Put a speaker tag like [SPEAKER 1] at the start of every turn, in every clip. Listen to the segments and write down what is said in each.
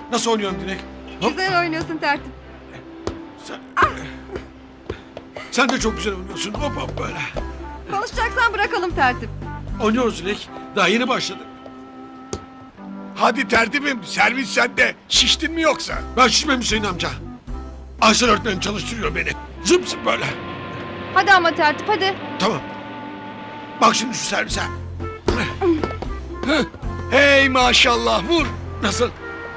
[SPEAKER 1] Nasıl oynuyorum Dilek? Hop.
[SPEAKER 2] Güzel oynuyorsun tertip.
[SPEAKER 1] Sen de çok güzel oynuyorsun. Hop hop böyle.
[SPEAKER 2] Konuşacaksan bırakalım tertip.
[SPEAKER 1] Oynuyoruz Dilek. Daha yeni başladık.
[SPEAKER 3] Hadi tertibim, servis sende. Şiştin mi yoksa?
[SPEAKER 1] Ben şişmem Hüseyin amca. Aysel öğretmenim çalıştırıyor beni. Zıp zıp böyle.
[SPEAKER 2] Hadi ama tertip hadi.
[SPEAKER 1] Tamam. Bak şimdi şu servise.
[SPEAKER 3] Hey maşallah, vur.
[SPEAKER 1] Nasıl?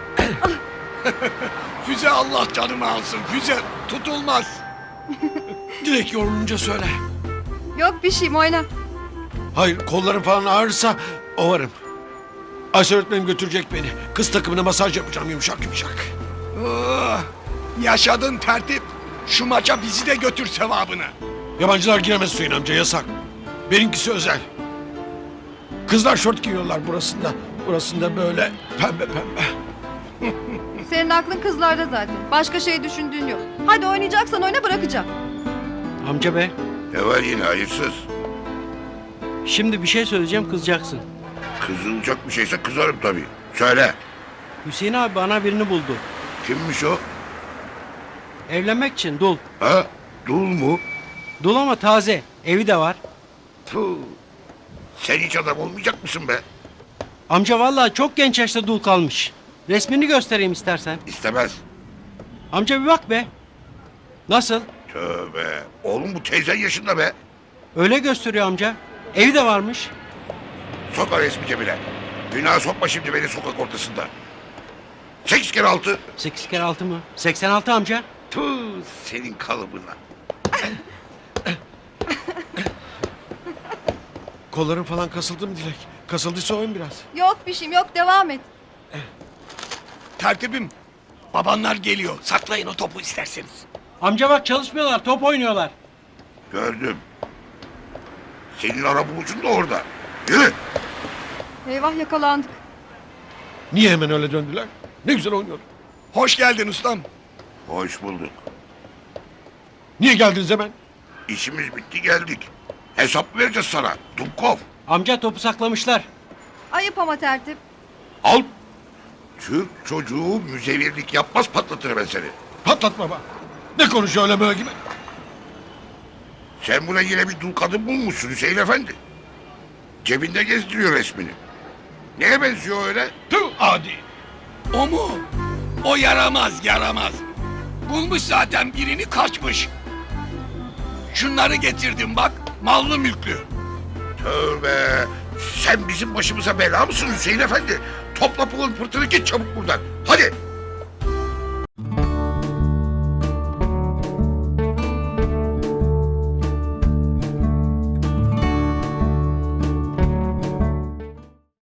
[SPEAKER 3] Füze Allah canımı alsın. Füze tutulmaz.
[SPEAKER 1] Dilek yorulunca söyle.
[SPEAKER 2] Yok bir şeyim oyna.
[SPEAKER 1] Hayır, kollarım falan ağrırsa ovarım. Aysel öğretmenim götürecek beni. Kız takımına masaj yapacağım yumuşak yumuşak.
[SPEAKER 3] Oh, yaşadın tertip. Şu maça bizi de götür sevabına.
[SPEAKER 1] Yabancılar giremez Hüseyin amca, yasak. Benimkisi özel. Kızlar şort giyiyorlar burasında. Burasında böyle pembe pembe.
[SPEAKER 2] Senin aklın kızlarda zaten. Başka şey düşündüğün yok. Hadi oynayacaksan oyna bırakacağım.
[SPEAKER 4] Amca bey,
[SPEAKER 5] Ne var yine hayırsız?
[SPEAKER 4] şimdi bir şey söyleyeceğim, kızacaksın.
[SPEAKER 5] Kızılacak bir şeyse kızarım tabii. Söyle.
[SPEAKER 4] Hüseyin abi bana birini buldu.
[SPEAKER 5] Kimmiş o?
[SPEAKER 4] Evlenmek için dul.
[SPEAKER 5] Ha? Dul mu?
[SPEAKER 4] Dul ama taze. Evi de var.
[SPEAKER 5] Puh. Sen hiç adam olmayacak mısın be?
[SPEAKER 4] Amca vallahi çok genç yaşta dul kalmış. Resmini göstereyim istersen.
[SPEAKER 5] İstemez.
[SPEAKER 4] Amca bir bak be. Nasıl?
[SPEAKER 5] Tövbe. Oğlum bu teyzen yaşında be.
[SPEAKER 4] Öyle gösteriyor amca. Evi de varmış.
[SPEAKER 5] Sokar resmi cebine. Günah sokma şimdi beni sokak ortasında. 8 kere 6.
[SPEAKER 4] 8 kere 6 mı? 86 amca.
[SPEAKER 5] Puh, senin kalıbına.
[SPEAKER 1] Kollarım falan kasıldı mı Dilek? Kasıldıysa oyun biraz.
[SPEAKER 2] Yok bir şeyim yok devam et.
[SPEAKER 3] Tertibim, babanlar geliyor. Saklayın o topu isterseniz.
[SPEAKER 4] Amca bak çalışmıyorlar, top oynuyorlar.
[SPEAKER 5] Gördüm. Senin arabulucun da orada. Yürü.
[SPEAKER 2] Eyvah yakalandık.
[SPEAKER 1] Niye hemen öyle döndüler? Ne güzel oynuyorduk.
[SPEAKER 3] Hoş geldin ustam.
[SPEAKER 5] Hoş bulduk.
[SPEAKER 1] Niye geldiniz hemen?
[SPEAKER 5] İşimiz bitti geldik. Hesap vereceğiz sana. Dumkov.
[SPEAKER 4] Amca topu saklamışlar.
[SPEAKER 2] Ayıp ama tertip.
[SPEAKER 5] Al. Türk çocuğu müzevirlik yapmaz, patlatır ben seni.
[SPEAKER 1] Patlat baba. Ne konuşuyor öyle böyle gibi?
[SPEAKER 5] Sen buna yine bir dul kadın bulmuşsun Hüseyin Efendi. Cebinde gezdiriyor resmini. Neye benziyor öyle?
[SPEAKER 1] Tüh adi.
[SPEAKER 3] O mu? O yaramaz, yaramaz. Bulmuş zaten birini, kaçmış. Şunları getirdim bak, mallı mülklü.
[SPEAKER 5] Tövbe. Sen bizim başımıza bela mısın Hüseyin Efendi? Topla pulun pırtını, git çabuk buradan. Hadi.